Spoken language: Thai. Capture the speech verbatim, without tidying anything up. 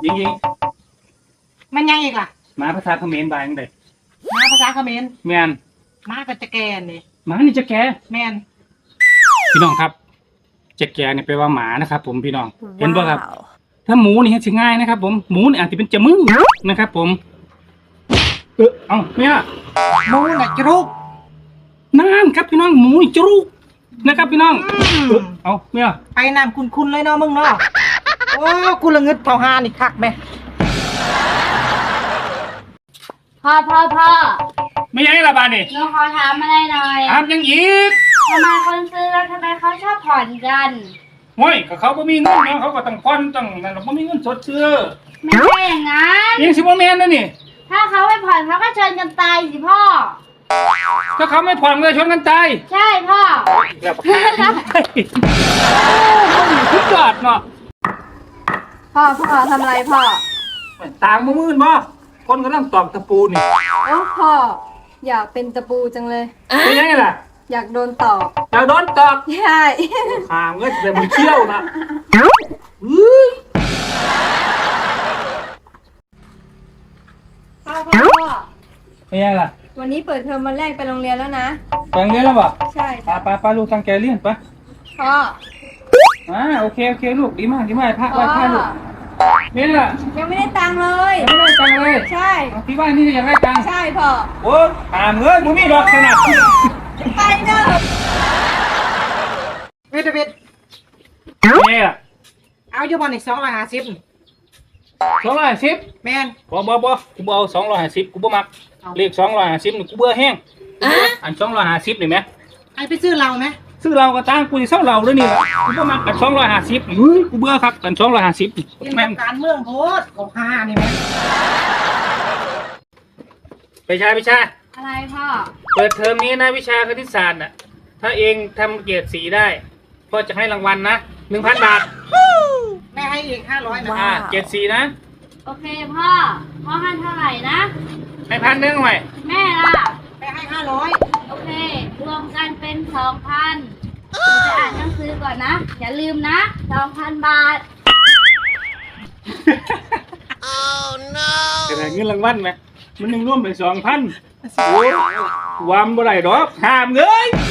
ยิงยิงมันยังอีกล่ะมาภาษาเขมรบายจังไดมาภาษาเขมรแม่นมาก็จะแกนี่หมานี่จะแกแม่นพี่น้องครับจะแกนี่แปลว่าหมานะครับผมพี่น้องเห็นบ่ครับถ้าหมูนี่สิง่ายนะครับผมหมูนี่อาจจะเป็นจมึงนะครับผมเออเอ้าเนี่ยหมูน่ะจรุกนั่นครับพี่น้องหมูจรุกนะครับพี่น้องเออเอ้าเนี่ยไปน้ำคุณๆเลยเนาะมึงเนาะโอ้กูละงึดเผาหานี่คักแม่พ่อพ่อพ่อไม่ยังไงล่ะบ้านนี่หนูขอถามอะไรหน่อยถามยังอีกทำไมคนซื้อแล้วทำไมเขาชอบผ่อนกันโอ้ยก็เขาบ่มีเงินเนาะเขาก็ต้องผ่อนต้องนั่นบ่มีเงินสดซื้อไม่ใช่อย่างนั้นยังสิบ่แม่นนะนี่ถ้าเขาไม่ผ่อนเขาก็ชนกันตายสิพ่อถ้าเขาไม่ผ่อนเลยชนกันตายใช่พ่อแล้วทุกยอดเนาะพ่อพ่อทำอะไรพ่อต่างมือมืนบ่คนกำลังตอกตะปูนี่โอ้พ่ออยากเป็นตะปูจังเลยเป็นยังไงล่ะอยากโดนตอกอยากโดนตอกใช่ขางเงี้ยแต่มันเชี่ยวนะพ่อพ่อเป็นยังไงล่ะวันนี้เปิดเทอมวันแรกไปโรงเรียนแล้วนะไปโรงเรียนแล้วบ่ใช่ป้าป้าป้าลูกตั้งใจเรียนปะพ่ออ่าโอเคโอเคลูกดีมากดีมากพระไหว้พระลูกนี่ล่ะยังไม่ได้ตังค์เลยยังไม่ได้ตังค์เลยใช่ที่บ้านนี่ยังได้ตังค์ใช่พ่อโอ้ตามเงินมึงมีดอกขนาดไปเด้อเวทเวทเนี่ยเอาอยู่บอลอีกสองร้อยห้าสิบสองร้อยห้าสิบแม่นบ่บ่บ่กูบ่เอาสองร้อยห้าสิบกูบ่มักเลขสองร้อยห้าสิบนี่กูเบื่อแห้งอันสองร้อยห้าสิบนี่ไหมไอไปซื้อเราไหมซื้อเราก็ตั้งกูจะเศร้าเราด้วยนี่กูบ่มักอันสองร้อยห้าสิบเฮ้ยกูเบื่อครับอันสองร้อยห้าสิบแม่งการเมืองโคตรของฮานี่แม่ไปชายไปชายอะไรพ่อเปิดเทอมนี้นะวิชาคณิตศาสตร์น่ะถ้าเองทำเกรดสีได้พ่อจะให้รางวัลนะหนึ่งพันบาทแม่ให้อีกห้าร้อยนะอ่าเกรดสีนะโอเคพ่อพ่อให้เท่าไหร่นะให้พันหนึ่งหน่อยแม่ล่ะแม่ให้ห้าร้อยโอเครวมกันเป็นสองพันจะอ่านหนังสือก่อนนะอย่าลืมนะสองพันบาท oh no จะได้เงินรางวัลไหมมันยังร่วมเป็นสองพันโอ้ยวามบ่ได้ดอกห้ามเงย